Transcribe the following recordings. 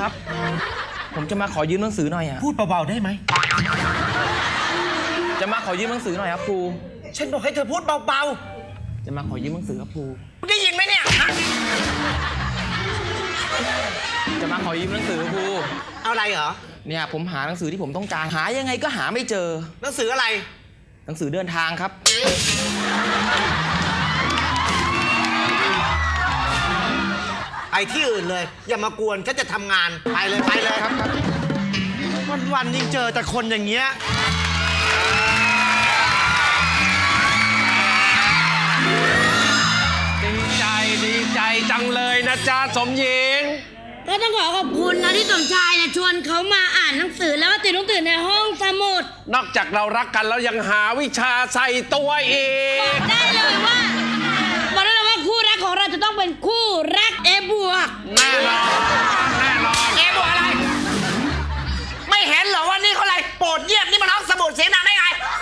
ครับผมจะมาขอยืมหนังสือหน่อยอะพูดเบาๆได้ไหมจะมาขอยืมหนังสือหน่อยครับครูฉันบอกให้เธอพูดเบาจะมาขอยืมหนังสือครับครูได้ยินไหมเนี่ยจะมาขอยืมหนังสือครูเอาอะไรเหรอเนี่ยผมหาหนังสือที่ผมต้องการหายังไงก็หาไม่เจอหนังสืออะไรหนังสือเดินทางครับไปที่อื่นเลยอย่ามากวนฉันจะทำงานไปเลยครับวันยิ่งเจอแต่คนอย่างเงี้ยดีใจจังเลยนะจ๊ะสมหญิงก็ต้องขอขอบคุณนะที่สมชายเนี่ยชวนเขามาอ่านหนังสือแล้วก็ติดหนังสือในห้องสมุดนอกจากเรารักกันแล้วยังหาวิชาใส่ตัวอีกบอกได้เลยว่าคู่รักของเราจะต้องเป็นคู่รักเอบวกแน่นอนเอบวกอะไรไม่เห็นเหรอว่านี่เขาอะไรโปรดเยี่ยมนี่มันห้องสมุดเสียงดังได้ไง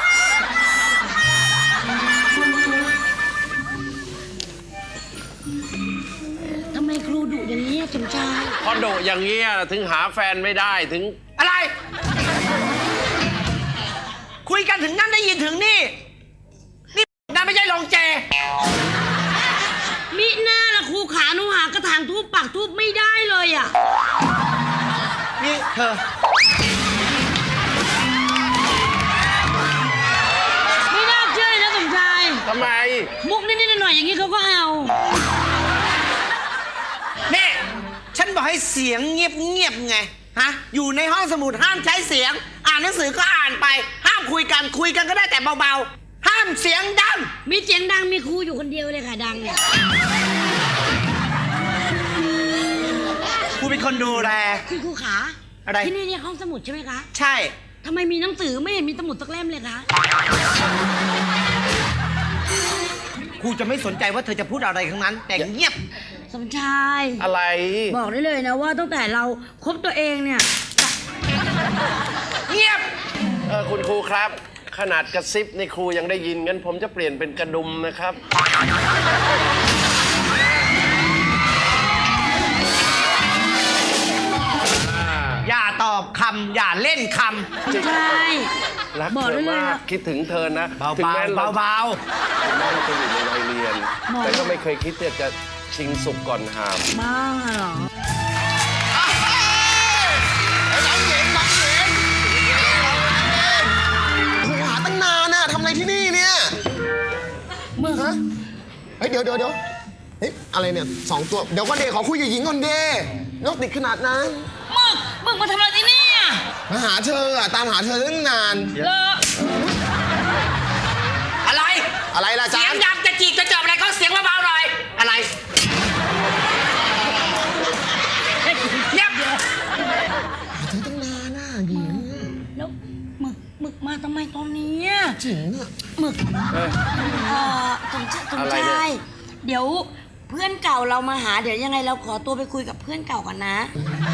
ทำไมครูดุอย่างนี้สมชายพอดุอย่างนี้ถึงหาแฟนไม่ได้ถึงอะไรคุยกันถึงนั่นได้ยินถึงนี่นั่นไม่ใช่ลงเจมิหน้าละครูขาหนูหากระถางทูบปักทูบไม่ได้เลยอ่ะนี่เธอไม่น่าเชื่อนะสมชายทำไมมุกนิดๆหน่อยๆอย่างนี้เขาก็เอานี่ฉันบอกให้เสียงเงียบไงฮะอยู่ในห้องสมุดห้ามใช้เสียงอ่านหนังสือก็อ่านไปห้ามคุยกันก็ได้แต่เบาๆห้ามเสียงดังมีเสียงดังมีครูอยู่คนเดียวเลยค่ะดังเนี่ยครูเป็นคนดูแลครูขาอะไรที่นี่เนี่ยห้องสมุดใช่ไหมคะใช่ทำไมมีหนังสือไม่เห็นมีสมุดสักเล่มเลยคะครูจะไม่สนใจว่าเธอจะพูดอะไรทั้งนั้นแต่เงียบสมชายอะไรบอกได้เลยนะว่าตั้งแต่เราคบตัวเองเนี่ยเงียบคุณครูครับขนาดกระซิบในครูยังได้ยินงั้นผมจะเปลี่ยนเป็นกระดุมนะครับอย่าตอบคำอย่าเล่นคำใช่รักเธอมากคิดถึงเธอนะถึงแม้เราจะอยู่ในวัยเรียนแต่ก็ไม่เคยคิดจะชิงสุกก่อนหามบ้าเหรอน้องหญิงครูหาตั้งนานน่ะทำอะไรที่นี่เนี่ยมึงฮะเฮ้ยเดี๋ยวเฮ้ยอะไรเนี่ย2 ตัวเดี๋ยวก่อนเดขอคุยกับหญิงก่อนเดนกติดขนาดนั้นมึงมาทำอะไรที่นี่อ่ะมาหาเธอตามหาเธอตั้งนานอะไรล่ะจ๊ะเสียงดังจะจีบจะจับอะไรก็เสียงเบาๆหน่อยอะไรเงียบหาเธอตั้งนานน่ะหญิงแล้วมึกมาทำไมตอนนี้จริงอ่ะมึกสมชายเดี๋ยวเพื่อนเก่าเรามาหาเดี๋ยวยังไงเราขอตัวไปคุยกับเพื่อนเก่ากันนะ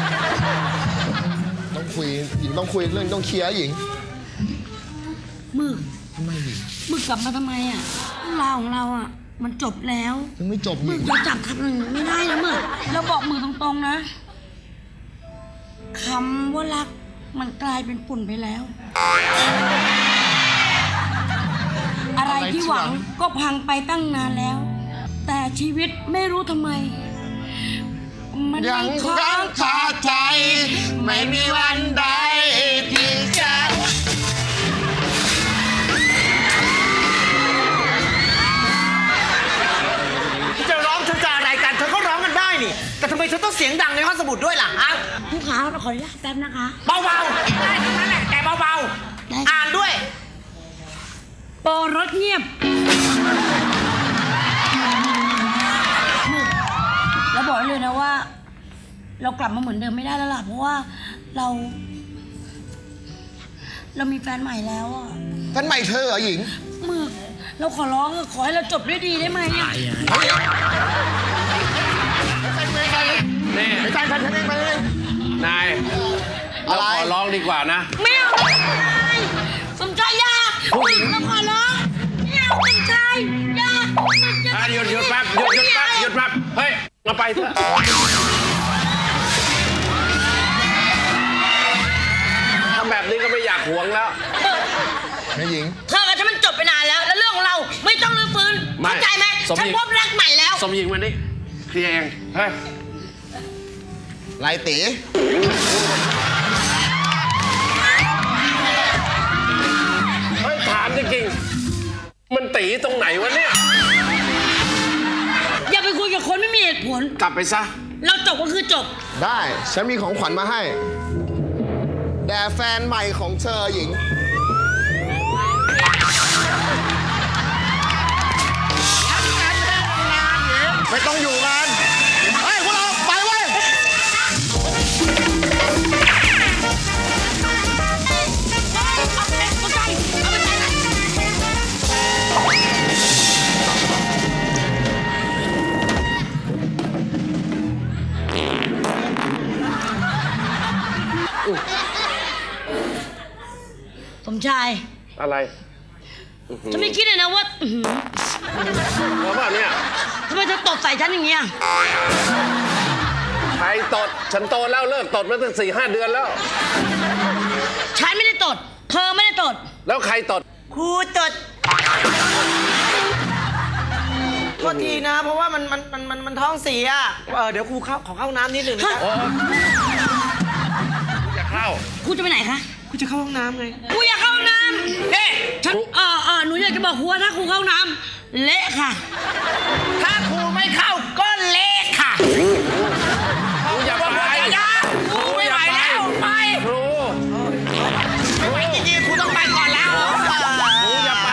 ต้องคุยหญิงต้องคุยเรื่องต้องเคลียร์หญิงมึกทำไมหญิงมึกกลับมาทำไมราวของเรามันจบแล้วยังไม่จบมึกจะจับคำหนึ่งไม่ได้นะมึกเราบอกมึกตรงๆนะคำว่ารักมันกลายเป็นฝุ่นไปแล้วอะไรที่หวังก็พังไปตั้งนานแล้วแต่ชีวิตไม่รู้ทำไมมันยังค้างคาใจไม่มีวันใดที่จะร้องเธอจะอะไรกันเธอก็ร้องกันได้นี่แต่ทำไมเธอต้องเสียงดังในห้องสมุดด้วยล่ะฮะผู้ขาขออนุญาตแป๊บนะคะเบาๆได้ทั้งนั้นแหละแต่เบาๆอ่านด้วยโปรรถเงียบแล้วบอกเลยนะว่าเรากลับมาเหมือนเดิมไม่ได้แล้วล่ะเพราะว่าเรามีแฟนใหม่แล้วแฟนใหม่เธอเหรอหญิงมึกเราขอร้องขอให้เราจบด้วยดีได้ไหมนี่ไม่ใช่แฟนฉันเองไปเลยนายเราขอร้องดีกว่านะไม่เอาสมชายยาเราขอร้องไม่เอาสมชายยาหยุดแป๊บหยุดแป๊บเฮ้ยมาไปเถอะนี้ก็ไม่อยากหวงแล้วแม่หญิงเธอกับฉันมันจบไปนานแล้ว แล้วเรื่องของเราไม่ต้องรื้อฟื้นไม่เข้าใจไหมสมหญิงฉันพบรักใหม่แล้วสมหญิงวันนี้เคลียร์เองเฮ้ยไรตีเฮ้ยถามจริงๆมันตีตรงไหนวะเนี่ยอย่าไปคุยกับคนไม่มีเหตุผลกลับไปซะเราจบก็คือจบได้ฉันมีของขวัญมาให้แด่แฟนใหม่ของเธอหญิง ไม่ต้องอยู่กันเฮ้ยพวกเราไปเว้ยสมชายอะไรฉันไม่คิดเลยนะว่าอื้อหือแล้วป่ะเนี่ยทำไมเธอตบใส่ฉันอย่างเงี้ยใครตด ฉันโตแล้วเลิกตดมาตั้ง4-5 เดือนแล้วฉันไม่ได้ตด เธอไม่ได้ตดแล้วใครตดครูจดโทษทีนะ เพราะว่ามันท้องเสียเดี๋ยวครูขอเข้าน้ำนิดหนึ่งนะจะเข้าครูจะไปไหนคะครูจะเข้าห้องน้ำไงครูอยากเข้าห้องน้ำเอ๊ะฉันหนูอยากจะบอกครูว่าถ้าครูเข้าห้องน้ำเละค่ะถ้าครูไม่เข้าก็เละค่ะครูอย่าไปครูไม่ไหวแล้วไปครูไม่ไหวจริงๆครูต้องไปก่อนแล้วครูอย่าไป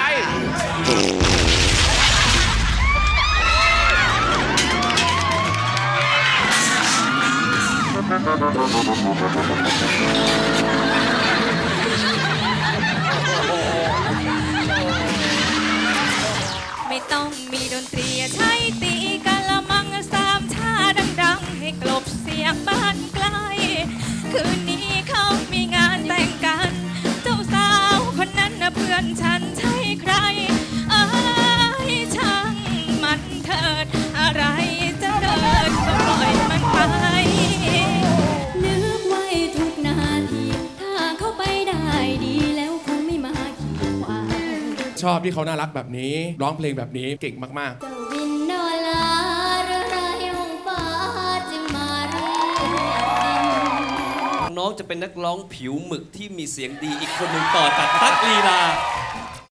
ไม่ต้องมีดนตรีใช้ตีกะละมังสามชาดังๆ ให้กลบเสียงบ้านไกล คืนนี้เขามีงานแต่งกัน เจ้าสาวคนนั้นนะเพื่อนฉันใช่ใคร เอ้ยช่างมันเถิด อะไรจะเกิดก็ปล่อยมันไป นึกไว้ทุกนาที ถ้าเขาไปได้ดีแล้วคงไม่มาขีดขวางชอบที่เขาน่ารักแบบนี้ ร้องเพลงแบบนี้เก่งมากเจ้าวินนอลาเรือไรห้องฟ้าจึงมาเรียกดินน้องจะเป็นนักร้องผิวหมึกที่มีเสียงดีอีกคนหนึ่งต่อจากตั๊กลีลา